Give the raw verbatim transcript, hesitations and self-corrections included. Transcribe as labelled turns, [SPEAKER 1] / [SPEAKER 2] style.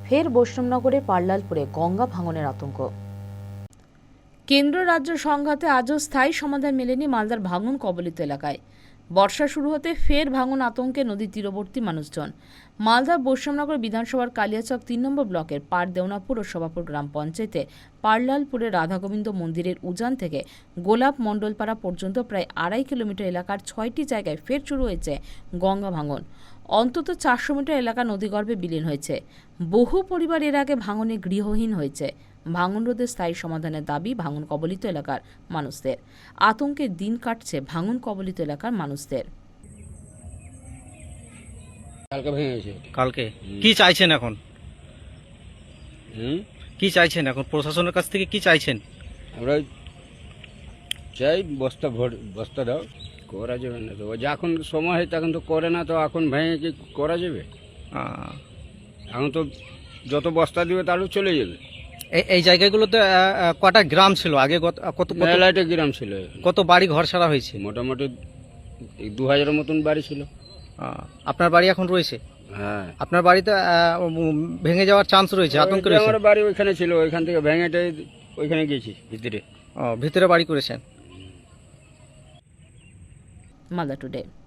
[SPEAKER 1] ফের বৈষ্ণবনগরে পার্লালপুরে গঙ্গা ভাঙনের আতঙ্ক। কেন্দ্র রাজ্য সংঘাতে আজও স্থায়ী সমাধান মেলেনি মালদার ভাঙন কবলিত এলাকায়। বর্ষা শুরু হতে ফের ভাঙন আতঙ্কে নদীর তীরবর্তী মানুষজন। মালদার বৈষ্ণবনগর বিধানসভার কালিয়াচক তিন নম্বর ব্লকের পার দেওনাপুর ও সভাপুর গ্রাম পঞ্চায়েতে পার্লালপুরের রাধাগোবিন্দ মন্দিরের উজান থেকে গোলাপ মণ্ডলপাড়া পর্যন্ত প্রায় আড়াই কিলোমিটার এলাকার ছয়টি জায়গায় ফের শুরু হয়েছে গঙ্গা ভাঙন। অন্তত চারশো মিটার এলাকা নদীগর্ভে বিলীন হয়েছে। বহু পরিবার এর আগে ভাঙনে গৃহহীন হয়েছে। ভাঙন রোধে স্থায়ী সমাধানের দাবি ভাঙন কবলিত এলাকার মানুষদের। আতঙ্কে দিন কাটছে ভাঙন কবলিত এলাকার মানুষদের।
[SPEAKER 2] কালকে ভেঙে গেছে।
[SPEAKER 3] কালকে কি চাইছেন এখন?
[SPEAKER 2] হুম
[SPEAKER 3] কি চাইছেন এখন প্রশাসনের কাছ থেকে? কি চাইছেন?
[SPEAKER 2] আমরা চাই বস্তা ভর বস্তা দাও, করা যাবে না তো যখন সময় হয় তখন তো করে না, তো এখন ভেঙে কি করা যাবে?
[SPEAKER 3] আহ,
[SPEAKER 2] এখন তো যত বস্তা দিবে তাহলে চলে যাবে।
[SPEAKER 3] এই এই জায়গাগুলোতে আহ, আহ, কটা গ্রাম ছিল আগে? কত কত কত-
[SPEAKER 2] মেলাইটে গ্রাম ছিল,
[SPEAKER 3] কত বাড়ি ঘর সারা হয়েছে?
[SPEAKER 2] মোটামুটি দু হাজারের মতন বাড়ি ছিল।
[SPEAKER 3] আহ, আপনার বাড়ি এখন রয়েছে?
[SPEAKER 2] হ্যাঁ,
[SPEAKER 3] আপনার বাড়িতে আহ, উম, ভেঙে যাওয়ার চান্স রয়েছে, আতঙ্ক
[SPEAKER 2] ওই যে
[SPEAKER 3] রয়েছে?
[SPEAKER 2] আমার বাড়ি ওইখানে ছিল, ওইখান থেকে ভেঙেটে ওইখানে গেছি ভিতরে।
[SPEAKER 3] ও, ভিতরে বাড়ি করেছেন।
[SPEAKER 1] মালদা টুডে।